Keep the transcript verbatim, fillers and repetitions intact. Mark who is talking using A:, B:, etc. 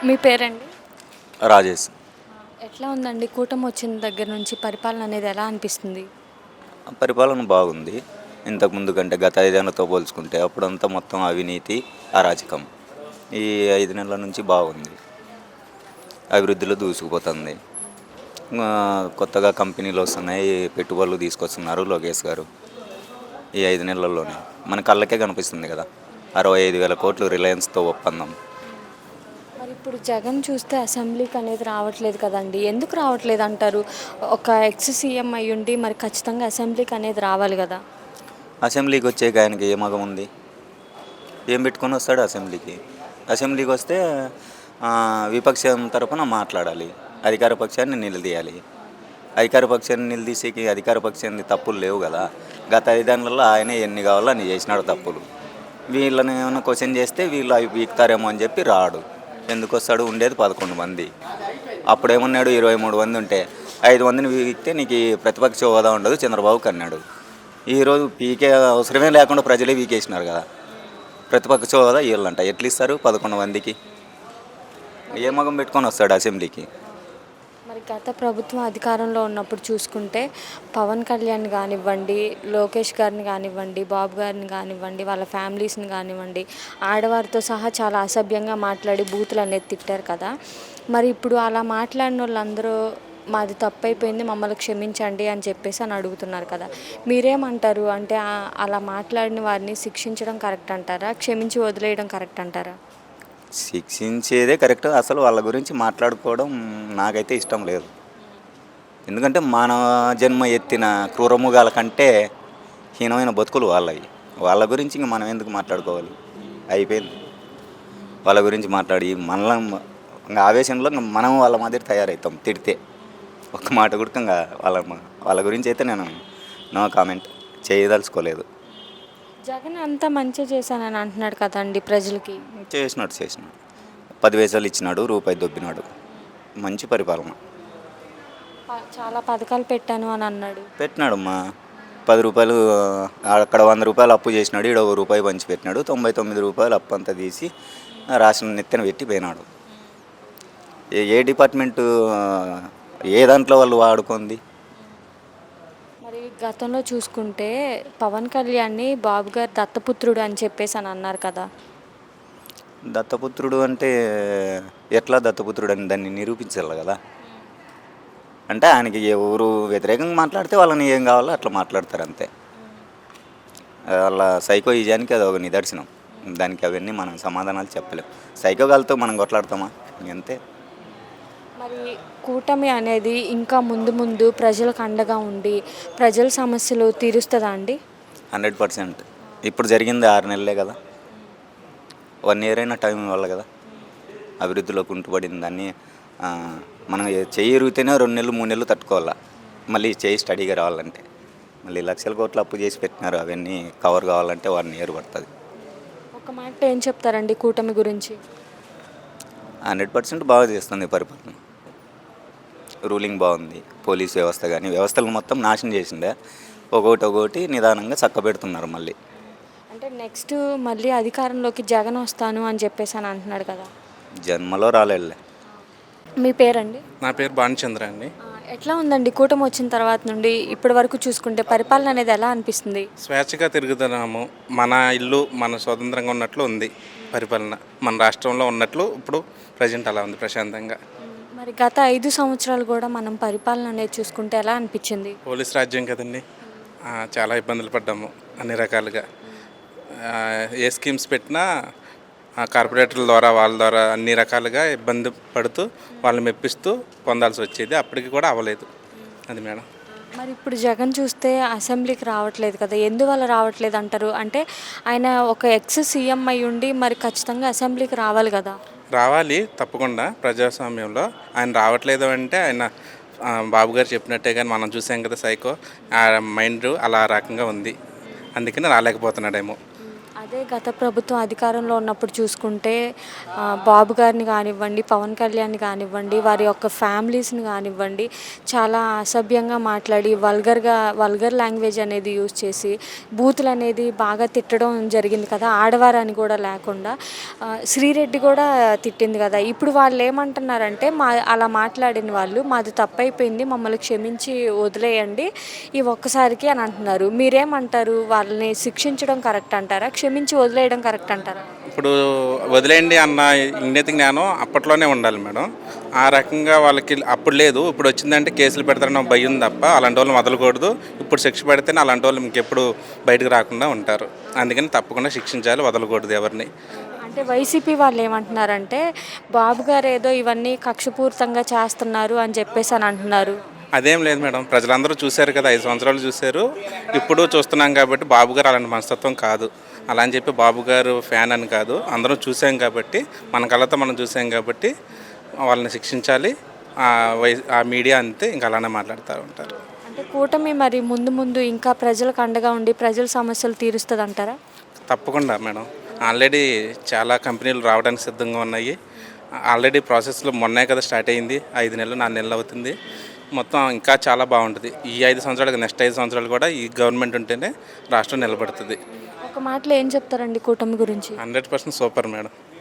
A: మీ పేరండి?
B: రాజేష్.
A: ఎట్లా ఉందండి కూటమి వచ్చిన దగ్గర నుంచి పరిపాలన అనేది ఎలా అనిపిస్తుంది?
B: పరిపాలన బాగుంది. ఇంతకుముందు కంటే గత ఐదేళ్లతో పోల్చుకుంటే అప్పుడంతా మొత్తం అవినీతి, అరాచకం. ఈ ఐదు నెలల నుంచి బాగుంది. అభివృద్ధిలో దూసుకుపోతుంది. ఆ, కొత్తగా కంపెనీలు వస్తున్నాయి, పెట్టుబడులు తీసుకొస్తున్నారు లోకేష్ గారు. ఈ ఐదు నెలల్లోనే మన కళ్ళకే కనిపిస్తుంది కదా. అరవై ఐదు వేల కోట్లు రిలయన్స్తో ఒప్పందం.
A: మరి ఇప్పుడు జగన్ చూస్తే అసెంబ్లీకి అనేది రావట్లేదు కదండి, ఎందుకు రావట్లేదు అంటారు? ఒక ఎక్స్ సీఎం అయ్యుండి మరి ఖచ్చితంగా అసెంబ్లీకి అనేది రావాలి కదా.
B: అసెంబ్లీకి వచ్చేకి ఆయనకి ఏ మగం ఉంది? ఏం పెట్టుకొని వస్తాడు అసెంబ్లీకి? అసెంబ్లీకి వస్తే ఆ, విపక్షం తరపున మాట్లాడాలి, అధికార పక్షాన్ని నిలదీయాలి. అధికార పక్షాన్ని నిలదీసేకి అధికార పక్షాన్ని తప్పులు లేవు కదా. గత ఐదేళ్లలో ఆయన ఎన్ని కావాలో అన్ని చేసినాడు తప్పులు. వీళ్ళని ఏమైనా క్వశ్చన్ చేస్తే వీళ్ళు అవి పీకుతారేమో అని చెప్పి రాడు. ఎందుకు వస్తాడు? ఉండేది పదకొండు మంది. అప్పుడేమన్నాడు? ఇరవై మూడు మంది ఉంటే ఐదు మందిని పీకితే నీకు ఈ ప్రతిపక్ష హోదా ఉండదు చంద్రబాబుకి అన్నాడు. ఈరోజు పీకే అవసరమే లేకుండా ప్రజలే పీకేసినారు కదా. ప్రతిపక్ష హోదా వీళ్ళంట ఎట్లు ఇస్తారు పదకొండు మందికి? ఏ మగం పెట్టుకొని వస్తాడు అసెంబ్లీకి?
A: మరి గత ప్రభుత్వం అధికారంలో ఉన్నప్పుడు చూసుకుంటే పవన్ కళ్యాణ్ కానివ్వండి, లోకేష్ గారిని కానివ్వండి, బాబు గారిని కానివ్వండి, వాళ్ళ ఫ్యామిలీస్ని కానివ్వండి, ఆడవారితో సహా చాలా అసభ్యంగా మాట్లాడి బూతులు అనేది తిట్టారు కదా. మరి ఇప్పుడు అలా మాట్లాడిన వాళ్ళందరూ మాది తప్పు అయిపోయింది, మమ్మల్ని క్షమించండి అని చెప్పేసి అని అడుగుతున్నారు కదా. మీరేమంటారు? అంటే ఆ- అలా మాట్లాడిన వారిని శిక్షించడం కరెక్ట్ అంటారా, క్షమించి వదిలేయడం కరెక్ట్ అంటారా?
B: శిక్షించేదే కరెక్ట్. అసలు వాళ్ళ గురించి మాట్లాడుకోవడం నాకైతే ఇష్టం లేదు. ఎందుకంటే మానవ జన్మ ఎత్తిన క్రూరముగాల కంటే హీనమైన బతుకులు వాళ్ళవి. వాళ్ళ గురించి ఇంక మనం ఎందుకు మాట్లాడుకోవాలి? అయిపోయింది. వాళ్ళ గురించి మాట్లాడి మనలో ఇంకా ఆవేశంలో ఇంక మనం వాళ్ళ మాదిరి తయారవుతాం తిడితే. ఒక్క మాట కూడా ఇంకా వాళ్ళ వాళ్ళ గురించి అయితే నేను నో కామెంట్ చేయదలుచుకోలేదు.
A: జగన్ అంతా మంచిగా చేశానని అంటున్నాడు కదండి ప్రజలకి.
B: చేసినాడు చేసినాడు పది వేసాలు ఇచ్చినాడు, రూపాయి దొబ్బినాడు. మంచి పరిపాలన
A: ప- చాలా పథకాలు పెట్టాను అని అన్నాడు.
B: పెట్టినాడు మా పది రూపాయలు ఆ, అక్కడ వంద రూపాయలు అప్పు చేసినాడు, ఈడ ఒక రూపాయి పంచి పెట్టినాడు. తొంభై తొమ్మిది రూపాయలు అప్పు అంతా తీసి ఆ, రాష్ట్రం నెత్తిన పెట్టి పోయినాడు. ఏ ఏ డిపార్ట్మెంటు ఆ, ఏ దాంట్లో వాళ్ళు వాడుకుంది?
A: మరి గతంలో చూసుకుంటే పవన్ కళ్యాణ్ని బాబు గారు దత్తపుత్రుడు అని చెప్పేసి అని అన్నారు కదా.
B: దత్తపుత్రుడు అంటే ఎట్లా దత్తపుత్రుడు అని దాన్ని నిరూపించాలి కదా. అంటే ఆయనకి ఎవరు వ్యతిరేకంగా మాట్లాడితే వాళ్ళని ఏం కావాలో అట్లా మాట్లాడతారు అంతే. వాళ్ళ సైకో ఈజానికి అది ఒక నిదర్శనం. దానికి అవన్నీ మనం సమాధానాలు చెప్పలేం. సైకోగాలతో మనం కొట్లాడతామా? అంతే.
A: మరి కూటమి అనేది ఇంకా ముందు ముందు ప్రజలకు అండగా ఉండి ప్రజల సమస్యలు తీరుస్తుందా అండి?
B: Hundred percent. ఇప్పుడు జరిగింది ఆరు నెలలే కదా. వన్ ఇయర్ అయినా టైం ఇవ్వాలి కదా. అభివృద్ధిలో కుంటుపడింది దాన్ని ఆ, మనం ఏ- చెయ్యి ఇరిగితేనే రెండు నెలలు మూడు నెలలు తట్టుకోవాలా. మళ్ళీ చేయి స్టడీగా రావాలంటే మళ్ళీ లక్షల కోట్లు అప్పు చేసి పెట్టినారు. అవన్నీ కవర్ కావాలంటే వన్ ఇయర్ పడుతుంది.
A: ఒక మాట ఏం చెప్తారండి కూటమి గురించి?
B: హండ్రెడ్ పర్సెంట్ బాగా చేస్తుంది పరిపాలన. రూలింగ్ బాగుంది. పోలీస్ వ్యవస్థ కానీ వ్యవస్థలను మొత్తం నాశనం చేసిండే. ఒక్కొక్కటి ఒక్కొక్కటి నిదానంగా చక్కబెడుతున్నారు మళ్ళీ.
A: అంటే నెక్స్ట్ మళ్ళీ అధికారంలోకి జగన్ వస్తాను అని చెప్పేసి అని అంటున్నాడు కదా.
B: జన్మలో రాలేళ్ళే.
A: మీ పేరండి?
C: నా పేరు భానుచంద్ర అండి.
A: ఆ, ఎట్లా ఉందండి కూటమి వచ్చిన తర్వాత నుండి ఇప్పటి వరకు చూసుకుంటే పరిపాలన అనేది ఎలా అనిపిస్తుంది?
C: స్వేచ్ఛగా తిరుగుతున్నాము. మన ఇల్లు మన స్వతంత్రంగా ఉన్నట్లు ఉంది పరిపాలన. మన రాష్ట్రంలో ఉన్నట్లు ఇప్పుడు ప్రజెంట్ అలా ఉంది ప్రశాంతంగా.
A: మరి గత ఐదు సంవత్సరాలు కూడా మనం పరిపాలన అనేది చూసుకుంటే ఎలా అనిపించింది?
C: పోలీస్ రాజ్యం కదండి. ఆ, చాలా ఇబ్బందులు పడ్డాము అన్ని రకాలుగా. ఆ, ఏ స్కీమ్స్ పెట్టినా ఆ కార్పొరేటర్ల ద్వారా వాళ్ళ ద్వారా అన్ని రకాలుగా ఇబ్బంది పడుతూ వాళ్ళని మెప్పిస్తూ పొందాల్సి వచ్చేది. అప్పటికి కూడా అవ్వలేదు. అది మేడం.
A: మరి ఇప్పుడు జగన్ చూస్తే అసెంబ్లీకి రావట్లేదు కదా, ఎందువల్ల రావట్లేదు అంటారు? అంటే ఆయన ఒక ఎక్స్ సీఎం అయి ఉండి మరి ఖచ్చితంగా అసెంబ్లీకి రావాలి కదా.
C: రావాలి తప్పకుండా. ప్రజాస్వామ్యంలో ఆయన రావట్లేదు అంటే ఆయన ఆ, బాబు గారు చెప్పినట్టే కానీ మనం చూసాం కదా సైకో ఆ మైండ్ అలా రకంగా ఉంది. అందుకని రాలేకపోతున్నాడేమో.
A: అదే గత ప్రభుత్వం అధికారంలో ఉన్నప్పుడు చూసుకుంటే ఆ, బాబు గారిని కానివ్వండి, పవన్ కళ్యాణ్ని కానివ్వండి, వారి యొక్క ఫ్యామిలీస్ని కానివ్వండి, చాలా అసభ్యంగా మాట్లాడి వల్గర్గా వల్గర్ లాంగ్వేజ్ అనేది యూజ్ చేసి బూతులు అనేది బాగా తిట్టడం జరిగింది కదా, ఆడవారని కూడా లేకుండా. ఆ, శ్రీరెడ్డి కూడా తిట్టింది కదా. ఇప్పుడు వాళ్ళు ఏమంటున్నారంటే మా అలా మాట్లాడిన వాళ్ళు మాది తప్పైపోయింది, మమ్మల్ని క్షమించి వదిలేయండి ఈ ఒక్కసారికి అని అంటున్నారు. మీరేమంటారు? వాళ్ళని శిక్షించడం కరెక్ట్ అంటారా, క్షమించి వదిలేయడం కరెక్ట్ అంటారా?
C: ఇప్పుడు వదిలేయండి అన్న ఇంగిత జ్ఞానం అప్పట్లోనే ఉండాలి మేడం. ఆ రకంగా వాళ్ళకి అప్పుడు లేదు, ఇప్పుడు వచ్చిందంటే కేసులు పెడతారన్న భయం తప్ప అలాంటి వాళ్ళని వదలకూడదు. ఇప్పుడు శిక్ష పెడితేనే అలాంటి వాళ్ళు ఇంకెప్పుడు బయటకు రాకుండా ఉంటారు. అందుకని తప్పకుండా శిక్షించాలి, వదలకూడదు ఎవరిని.
A: అంటే వైసీపీ వాళ్ళు ఏమంటున్నారంటే బాబు గారు ఏదో ఇవన్నీ కక్షపూరితంగా చేస్తున్నారు అని చెప్పేసి అని అంటున్నారు.
C: అదేం లేదు మేడం, ప్రజలందరూ చూశారు కదా, ఐదు సంవత్సరాలు చూశారు, ఇప్పుడు చూస్తున్నాం కాబట్టి బాబు గారు అలాంటి మనస్తత్వం కాదు. అలా అని చెప్పి బాబు గారు ఫ్యాన్ అని కాదు, అందరం చూసాం కాబట్టి, మన కళ్ళతో మనం చూసాం కాబట్టి వాళ్ళని శిక్షించాలి. ఆ వై ఆ మీడియా అంతే ఇంకా అలానే మాట్లాడుతూ ఉంటారు.
A: అంటే కూటమి మరి ముందు ముందు ఇంకా ప్రజలకు అండగా ఉండి ప్రజల సమస్యలు తీరుస్తుంది అంటారా?
C: తప్పకుండా మేడం, ఆల్రెడీ చాలా కంపెనీలు రావడానికి సిద్ధంగా ఉన్నాయి. ఆల్రెడీ ప్రాసెస్లో మొన్నే కదా స్టార్ట్ అయింది, ఐదు నెలలు నాలుగు నెలలు అవుతుంది. మొత్తం ఇంకా చాలా బాగుంటుంది. ఈ ఐదు సంవత్సరాలకు నెక్స్ట్ ఐదు సంవత్సరాలు కూడా ఈ గవర్నమెంట్ ఉంటేనే రాష్ట్రం నిలబడుతుంది.
A: ఒక మాటలో ఏం చెప్తారండి కూటమి గురించి?
C: Hundred percent super madam.